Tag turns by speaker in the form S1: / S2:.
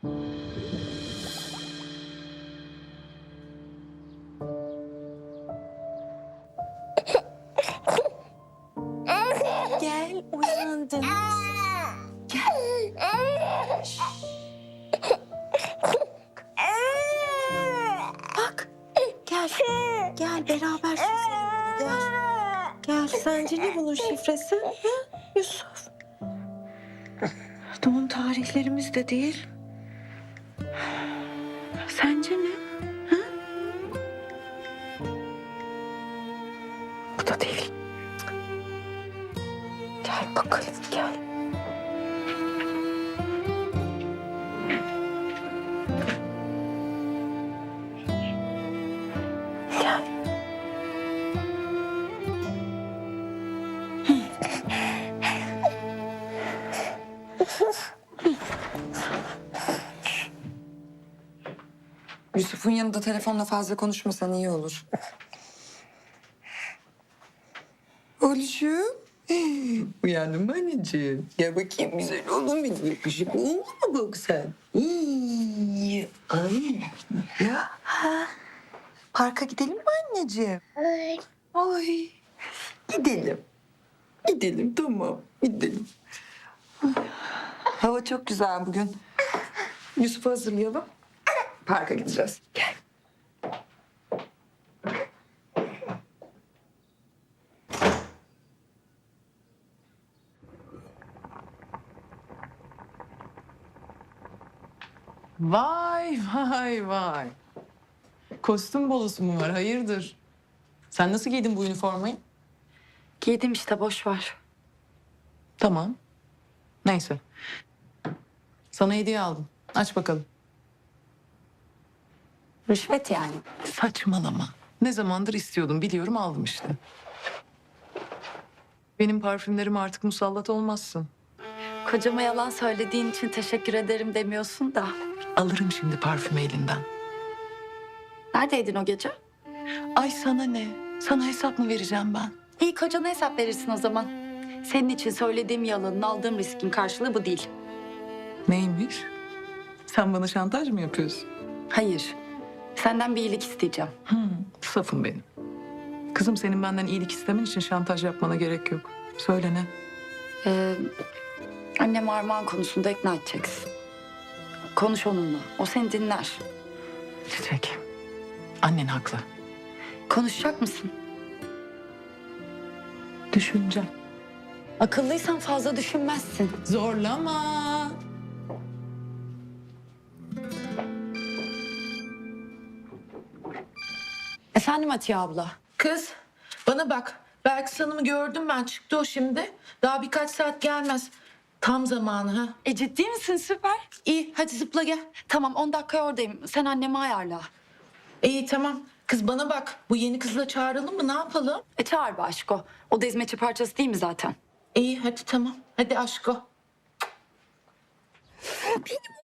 S1: Gel, uyandın. Gel. Bak, gel. Gel, beraber süsleyelim. Gel. Gel, sence ne bunun şifresi? Ha? Yusuf. Doğum tarihlerimiz de değil. Sence ne? Ha? Bu da değil. Gel bakalım, gel. Gel.
S2: Yusuf'un yanında telefonla fazla konuşmasan iyi olur. Oğluşum. Uyandın mı anneciğim? Gel bakayım güzel oğlum benim. Yakışıklı oğlum mu bak sen? Ay. Ya. Ha. Parka gidelim mi anneciğim? Ay. Gidelim. Gidelim tamam. Gidelim. Hava çok güzel bugün. Yusuf'u hazırlayalım. Parka gideceğiz. Gel.
S3: Vay vay vay. Kostüm bolosu mu var? Hayırdır? Sen nasıl giydin bu üniformayı?
S1: Giydim işte, boş ver.
S3: Tamam. Neyse. Sana hediye aldım. Aç bakalım.
S1: Rüşvet yani.
S3: Saçmalama. Ne zamandır istiyordum biliyorum aldım işte. Benim parfümlerime artık musallat olmazsın.
S1: Kocama yalan söylediğin için teşekkür ederim demiyorsun da.
S3: Alırım şimdi parfümü elinden.
S1: Neredeydin o gece?
S3: Ay sana ne? Sana hesap mı vereceğim ben?
S1: İyi, kocana hesap verirsin o zaman. Senin için söylediğim yalanın, aldığım riskin karşılığı bu değil.
S3: Neymiş? Sen bana şantaj mı yapıyorsun?
S1: Hayır. Senden bir iyilik isteyeceğim.
S3: Safım benim. Kızım senin benden iyilik istemen için şantaj yapmana gerek yok. Söyle ne?
S1: Annem Armağan konusunda ikna edeceksin. Konuş onunla. O seni dinler.
S3: Çiçek. Annen haklı.
S1: Konuşacak mısın?
S3: Düşüneceğim.
S1: Akıllıysan fazla düşünmezsin.
S3: Zorlama.
S1: Efendim Atiye abla.
S4: Kız bana bak. Belki Hanım'ı gördüm ben. Çıktı o şimdi. Daha birkaç saat gelmez. Tam zamanı ha.
S1: Ciddi misin? Süper.
S4: İyi hadi zıpla gel.
S1: Tamam, 10 dakikaya oradayım. Sen annemi ayarla.
S4: İyi tamam. Kız bana bak. Bu yeni kızla çağıralım mı? Ne yapalım?
S1: Çağır be aşko. O da hizmetçi parçası değil mi zaten?
S4: İyi hadi tamam. Hadi aşko.
S2: Benim